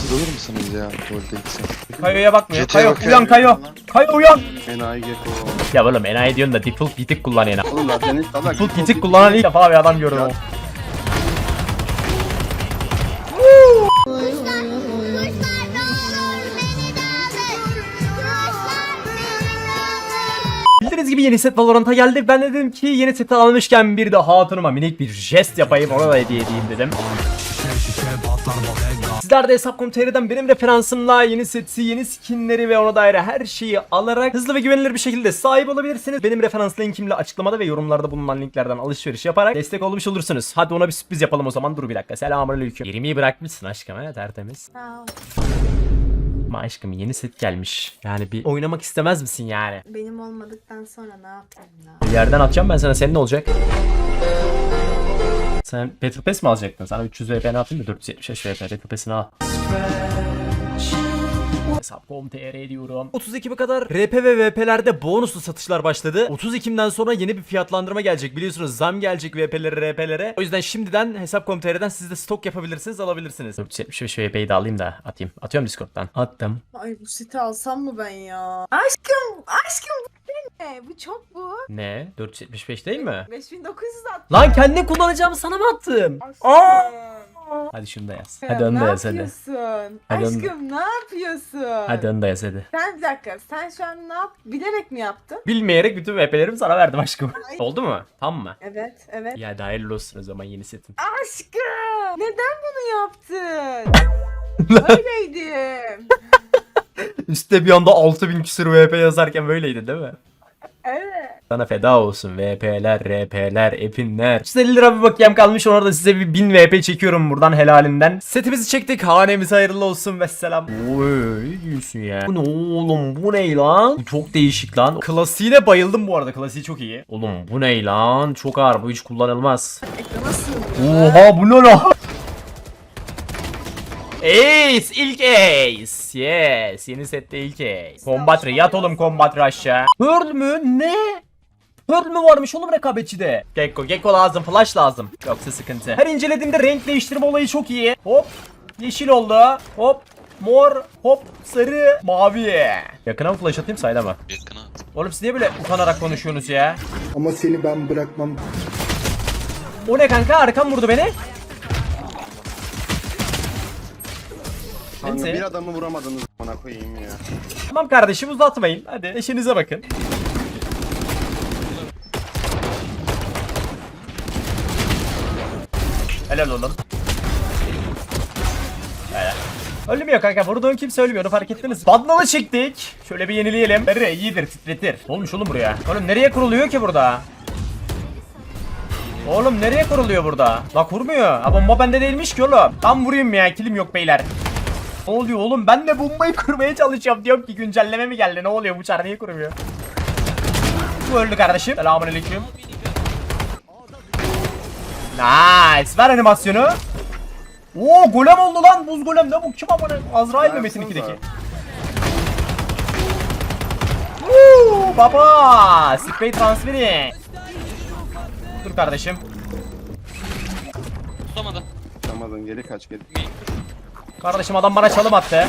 Kırılır mısınız ya tuvalete gitsem? Kayo'ya bakmıyor. Jet'e Kayo bakıyor. uyan Kayo. Kayo uyan. Enayi Gecko. Ya oğlum enayi diyorsun da default gitik kullan enayi. Oğlum lan senin salak. Default gitik kullanan ilk defa bir adam gördüm. Ya. Bildiğiniz gibi yeni set Valorant'a geldi. Ben de dedim ki yeni seti almışken bir de hatunuma minik bir jest yapayım, ona da hediye edeyim dedim. Sizler de Hesap.com.tr'den benim referansımla yeni seti, yeni skinleri ve ona dair her şeyi alarak hızlı ve güvenilir bir şekilde sahip olabilirsiniz. Benim referans linkimle açıklamada ve yorumlarda bulunan linklerden alışveriş yaparak destek olmuş olursunuz. Hadi ona bir sürpriz yapalım o zaman. Dur bir dakika. Selamünaleyküm. 20'yi bırakmışsın aşkım, ha, tertemiz. Ama aşkım yeni set gelmiş. Yani bir oynamak istemez misin yani? Benim olmadıktan sonra ne yapayım ya? Bir yerden atacağım ben sana, senin ne olacak? Sen Battle Pass mi alacaktın? Sana 300 VP ne yapayım mı? 475 VP Battle Pass'ini al. Hesap.com.tr diyorum. 30 Ekim'e kadar RP ve VP'lerde bonuslu satışlar başladı. 30 Ekim'den sonra yeni bir fiyatlandırma gelecek. Biliyorsunuz zam gelecek VP'lere, RP'lere. O yüzden şimdiden Hesap.com.tr'den siz de stok yapabilirsiniz, alabilirsiniz. 475 VP'yi de alayım da atayım. Atıyorum Discord'dan. Attım. Ay bu seti alsam mı ben ya? Aşkım bu ne? Bu çok bu. Ne? 475 değil mi? 5900 attım. Lan kendi kullanacağımı sana mı attım? Hadi şunu da yaz. Hadi onu da yaz hadi. Ne yapıyorsun? Hadi onu- Aşkım ne yapıyorsun? Hadi onu da yaz hadi. Sen bir dakika, sen şu an ne yap? Bilerek mi yaptın? Bilmeyerek bütün VP'lerimi sana verdim aşkım. Ay. Oldu mu? Tamam mı? Evet, evet. Ya da hayırlı olsun o zaman yeni setin. Aşkım! Neden bunu yaptın? Öyleydim. Üstte bir anda 6000 küsur VP yazarken böyleydi değil mi? Evet. Sana feda olsun VP'ler, RP'ler, epinler. 150 lira bir bakiyem kalmış, ona da size bir 1000 VP çekiyorum buradan helalinden. Setimizi çektik, hanemiz hayırlı olsun vesselam. Oy ne diyorsun ya? Bu ne oğlum, bu ne lan? Bu çok değişik lan. Klasiğine bayıldım bu arada, klasiği çok iyi. Oğlum bu ne lan? Çok ağır, bu hiç kullanılmaz. Ekrana sığmıyor. Oha bu ne lan? Ace, ilk Ace. Yes, yeni sette ilk Ace. Combat yat oğlum, Combat aşağı. Pearl mü? Ne? Pearl mü varmış oğlum rekabetçide? Gecko lazım, flash lazım. Yoksa sıkıntı. Her incelediğimde renk değiştirme olayı çok iyi. Hop, yeşil oldu. Hop, mor, hop, sarı, mavi. Yakına mı flash atayım, sayda mı? Yakına. Oğlum siz niye böyle utanarak konuşuyorsunuz ya? Ama seni ben bırakmam. O ne kanka, arkam vurdu beni. Kanka Neyse. bir adamı vuramadınız bana koyayım ya. Tamam kardeşim, uzatmayın. Hadi eşinize bakın. Helal oğlum. Helal. Ölmüyor kanka, vurduğun kimse ölmüyor, onu fark ettiniz. Bandalı çektik. Şöyle bir yenileyelim. Nereye iyidir, titretir. Olmuş oğlum buraya. Oğlum nereye kuruluyor ki burada? Oğlum nereye kuruluyor burada? La kurmuyor. Ha bomba bende değilmiş ki oğlum. Tam vurayım ya, kilim yok beyler. Ne oluyor oğlum? Ben de bombayı kurmaya çalışıyorum. Diyorum ki güncelleme mi geldi? Ne oluyor? Bu çar niye kurmuyor? Bu öldü kardeşim. Selamünaleyküm. Nice. Ver animasyonu. Oo golem oldu lan. Buz golem. Ne bu? Kim amına? Azrail mi Metin 2'deki? Baba. Spray transferi. Dur kardeşim. Tutamadı. Tutamadın, geri kaç geri. Kardeşim adam bana çalım attı.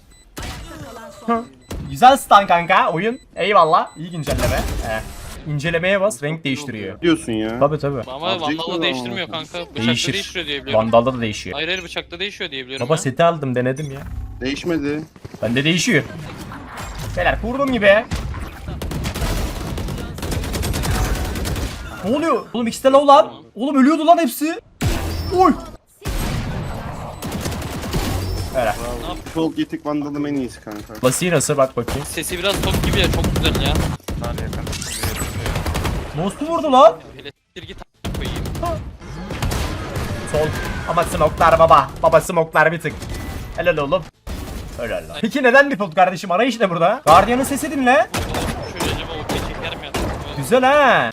Güzel stun kanka oyun. Eyvallah. İyi güncelleme. İncelemeye bas, renk değiştiriyor. Diyorsun ya. Tabi tabi. Ama Azıcık Vandal'da mı? değiştirmiyor kanka. Bıçakta Değişir. değiştiriyor diye biliyorum. Vandal'da da değişiyor. Hayır bıçakta değişiyor diye biliyorum. Baba ya. seti aldım, denedim ya. Değişmedi. Bende değişiyor. Beyler kurduğum gibi. Ne oluyor? Oğlum ikisi de low lan. Oğlum ölüyordu lan hepsi. Oy. Öyle. Default Gittik Vandal'ım en iyisi kanka. Klasiği nasıl, bak bakayım. Sesi biraz top gibi ya, çok güzel ya. Nasıl vurdu lan? Hele s**tir git a** koyayım. Sol. Ama smoklar baba. Baba smoklar bir tık. Helal oğlum. Helal lan. Peki neden default kardeşim? Arayış ne burada? Guardian'ın sesi dinle. Şöyle acaba o çeker mi ya? Güzel ha.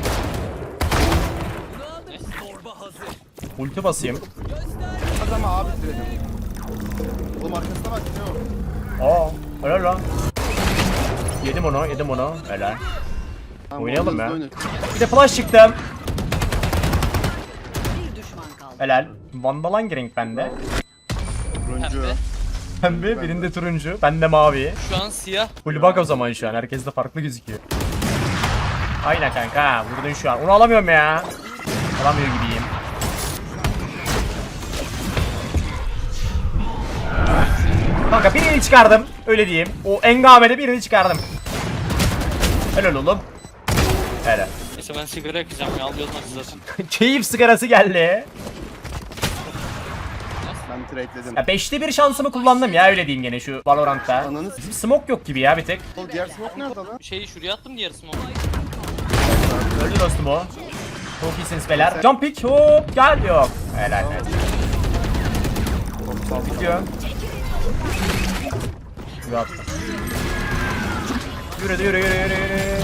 Ulti basayım. Adama abi dedim. Oğlum arkasına bak ne o? Aa, helal lan. Yedim onu. Helal. Tamam, Oynayalım ya. oyna. Bir de flash çıktım. Helal. Vandal hangi renk bende? Turuncu. Pembe. pembe, birinde turuncu, bende mavi. Şu an siyah. Full bak o zaman şu an. Herkes de farklı gözüküyor. Aynen kanka. Vurdun şu an. Onu alamıyorum ya. Alamıyor gibiyim. Kanka birini çıkardım. Öyle diyeyim. O engamede birini çıkardım. Helal oğlum. Helal. Neyse ben sigara yakacağım ya. Alıyoruz maçı zaten. Keyif sigarası geldi. Ben trade'ledim. Ya 5'te 1 şansımı kullandım ya, öyle diyeyim gene şu Valorant'ta. Ananı s***. Bizim smoke yok gibi ya bir tek. O diğer smoke nerede lan? Şeyi şuraya attım diğer smoke. Öldü dostum o. Çok iyisiniz beyler. Jump pick hop gel yok. Helal helal. Bitiyor. Yürü attım. Yürü.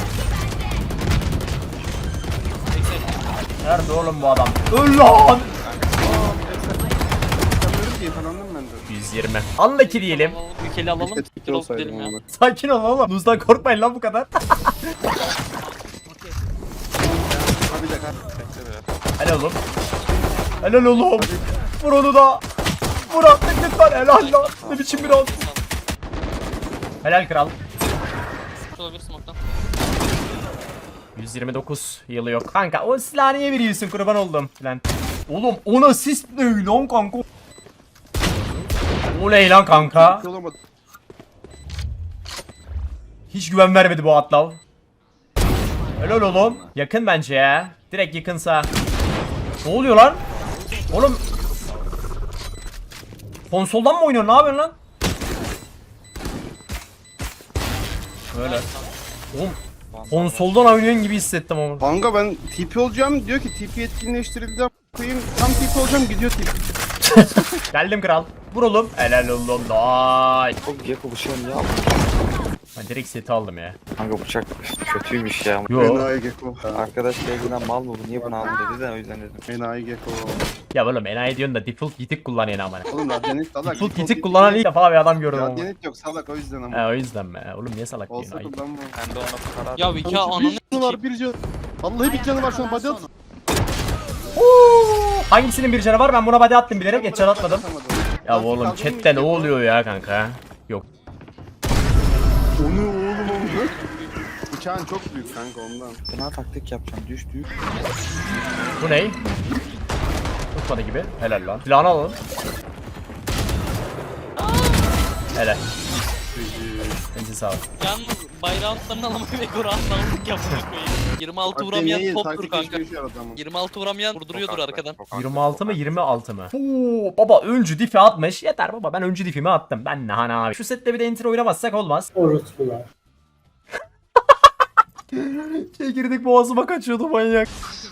Nerede oğlum bu adam? Öl lan! Sanıyorum ki yakalandım ben de. 120. Unlucky diyelim. Ülkeli alalım. Keşke Bir Twitter olsun olsaydım gidelim ya. ama. Sakin ol oğlum. Luz'dan korkmayın lan bu kadar. Abi de Helal oğlum. Helal oğlum. Vur onu da. Vur artık lütfen. Helal lan. Ne biçim bir round. Helal kral. Olabilir smoke'tan. 129 yılı yok. Kanka o silahı niye veriyorsun, kurban oldum. Lan. Oğlum 10 asist ne lan kanka? Oley lan kanka. olamadı. Hiç güven vermedi bu atlav. Helal oğlum. Yakın bence ya. Direkt yakınsa. Ne oluyor lan? Oğlum. Konsoldan mı oynuyorsun? Ne yapıyorsun lan? Böyle. Oğlum. Konsoldan oynuyorsun gibi hissettim ama. Kanka ben TP olacağım diyor ki TP etkinleştirildi. Koyayım tam TP olacağım gidiyor TP. Geldim kral. Vur oğlum. Helal oğlum. Nice. Çok Gecko bıçağım ya. Ben direkt seti aldım ya. Kanka bıçak kötüymüş ya. Yo. Enayi Gecko. Arkadaş geldiğinden mal mı bu? Niye bunu aldın dedi de o yüzden dedim. Enayi Gecko. Ya oğlum enayi diyorsun da default gitik kullanıyor ama. Oğlum Radyanit salak. Default gitik kullanan ilk defa bir adam gördüm ama. Radyanit yok salak o yüzden ama. He o yüzden mi? Oğlum niye salak diyorsun? Olsa Ayıp. kullanma. Ben de ona para Ya Vika ananı Bir canı var bir canı. Vallahi bir canı var şu an body at. Oo, hangisinin bir canı var? Ben buna body attım bilerek, headshot atmadım. Ya oğlum chatte ne oluyor ya kanka? Yok. Onu oğlum onu. Bıçağın çok büyük kanka ondan. Fena taktik yapacağım. Düş. Bu ne? Tutmadı gibi. Helal lan. Silahını alalım. Helal. Bence sağ ol. Yalnız bayrağını alamayı ve Kur'an'la aldık yapmayı. 26 vuramayan toptur kanka. 26 vuramayan vurduruyordur arkadan. 26 mı 26 mı? Oo, baba öncü difi atmış. Yeter baba, ben öncü difimi attım. Ben ne hani abi. Şu sette bir de enter oynamazsak olmaz. Orospular. Çekirdik boğazıma kaçıyordu manyak.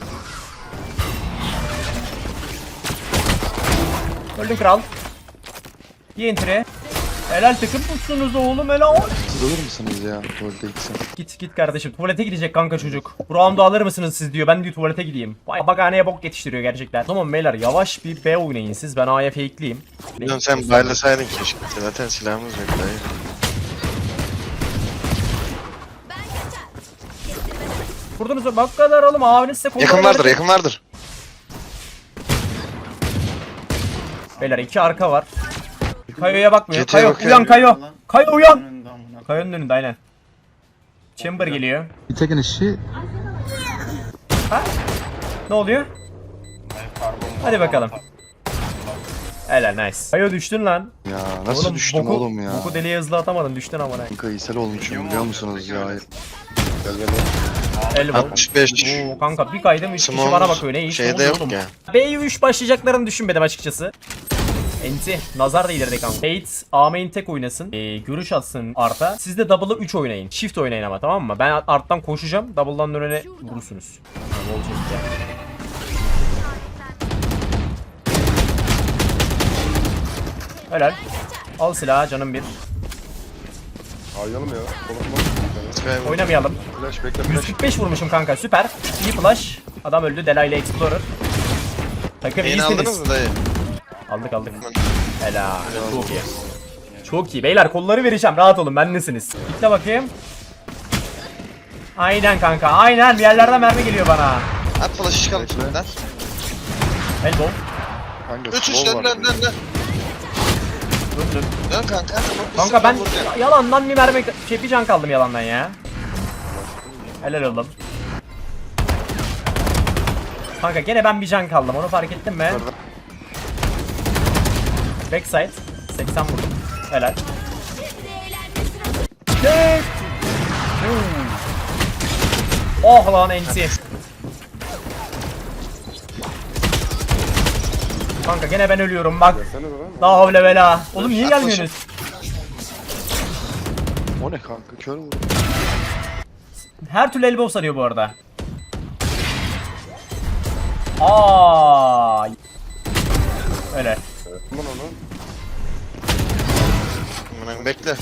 Öldün kral. Bir enter'e. Helal takım tutsunuz oğlum, helal. Olur musunuz ya tuvalete gitsin? Git kardeşim, tuvalete gidecek kanka çocuk. Bu round'u alır mısınız siz diyor, ben diyor tuvalete gideyim. Vay bakhaneye bok yetiştiriyor gerçekten. Tamam beyler, yavaş bir B oynayın siz, ben A'ya fakeleyeyim. Bilmiyorum, sen baylasaydın keşke. Zaten silahımız yok dayı. Vurdunuz mu? Bak kadar oğlum, abiniz size kolları Yakın vardır, verdi. yakın vardır. Beyler 2 arka var. Kayo'ya bakmıyor. Jet'e Kayo bakıyor. uyan Kayo. Kayo uyan. Kayo'nun önünde aynen. Chamber geliyor. Tekin işi Ha? Ne oluyor? Hadi bakalım. Helal nice. Kayo düştün lan. Ya nasıl düştüm oğlum ya? Boku deliğe hızlı atamadın, düştün amına. Kanka ishal olmuşum biliyor musunuz ya? Elbow. 65. Oo kanka bir kaydım 3 kişi Small bana bakıyor, ne iş şeyde ne oluyor yok oğlum? ya. B'yi 3 başlayacaklarını düşünmedim açıkçası. Enti. Nazar da ileride kanka. Bates A main tek oynasın. Görüş atsın Art'a. Siz de double'ı 3 oynayın. Shift oynayın ama, tamam mı? Ben Art'tan koşacağım. Double'dan önüne vurursunuz. Ne olacak ya? Helal. Al silahı canım bir. Oynayalım ya. Oynamayalım. Flash bekle flash. 145 vurmuşum kanka, süper. İyi flash. Adam öldü. Delilah Explorer. Takım Yeni aldınız iyisiniz. mı dayı? Aldık. Helal. Çok iyi. Çok iyi. Beyler kolları vereceğim. Rahat olun. Bendesiniz. Gitle bakayım. Aynen kanka. Aynen. Bir yerlerden mermi geliyor bana. At flash'ı çıkalım şimdiden. Elbow. Üç dön. Döndüm. Dön kanka. Kanka ben yalandan bir mermi bir can kaldım yalandan ya. Helal oğlum. Kanka gene ben bir can kaldım, onu fark ettin mi? Backside 80 vurdum. Helal. Yes. Oh lan NC. Kanka gene ben ölüyorum bak. Seni de lan. La havle vela. Oğlum niye gelmiyorsunuz? O ne kanka? Kör mü? Her türlü elbow sarıyor bu arada. Aa. Öyle. Aman onu. Aman bekle.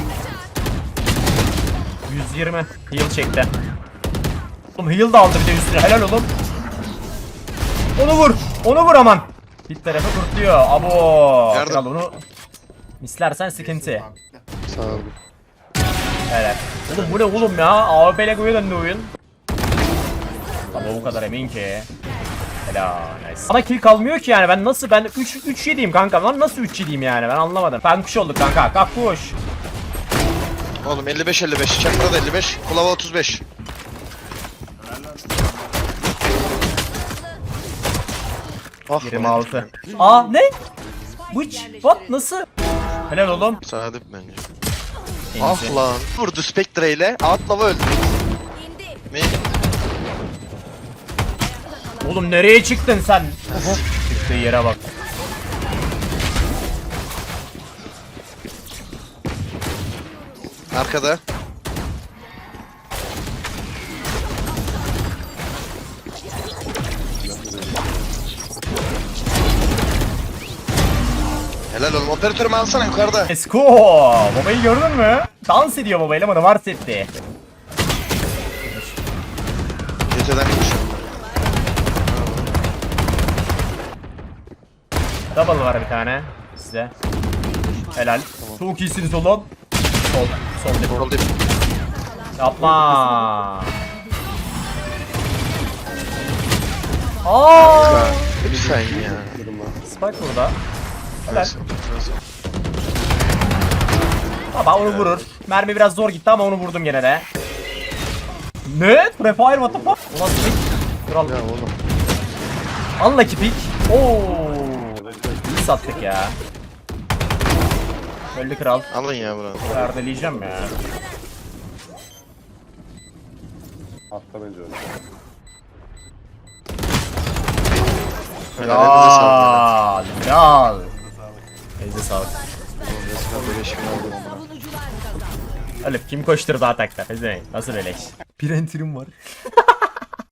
120 heal çekti. Oğlum heal da aldı bir de üstüne. Helal oğlum. Onu vur. Onu vur aman. Bir tarafı kurtluyor. Abo. Yardım. Kral onu mislersen sıkıntı. Sağ ol. Evet. Oğlum bu ne oğlum ya? AWP ile goya döndü oyun. Ama o kadar emin ki. Helal. Nice. Bana kill kalmıyor ki yani. Ben nasıl 3 yediyim kanka. Lan nasıl 3 yediyim yani? Ben anlamadım. Kankuş olduk kanka. Kankuş. Oğlum 55-55. Çakra da 55. Kulava 35. Ah 26. Aa ne? Which? What? Nasıl? Helal oğlum. Sadık bence. Neyse. Ah lan. Vurdu Spectre ile. Atlava öldü. Ne? Oğlum nereye çıktın sen? Çıktığı yere bak. Arkada. Helal oğlum. Operatörümü alsana yukarıda. Let's go. Babayı gördün mü? Dans ediyor babayla ama var setti. Geceden konuşuyorum. Double var bir tane size. Helal. Çok iyisiniz oğlum. Sol dip. Sol dip. Yapma. Aa! Lütfen ya. Spike burada. Helal. Nasıl? Baba onu vurur. Mermi biraz zor gitti ama onu vurdum gene de. Ne? Prefire what the fuck? Ulan pick. Kral. Ya oğlum. Unlucky pick. Oo. İyi sattık ya. Öldü kral. Alın ya bunu. Perdeleyeceğim ya. Hatta bence öyle. Elinize sağlık. Kral. Elinize sağlık. Böyle işimi aldım ama. Öyle kim koşturdu atakta? Nasıl beleş? Bir enterim var.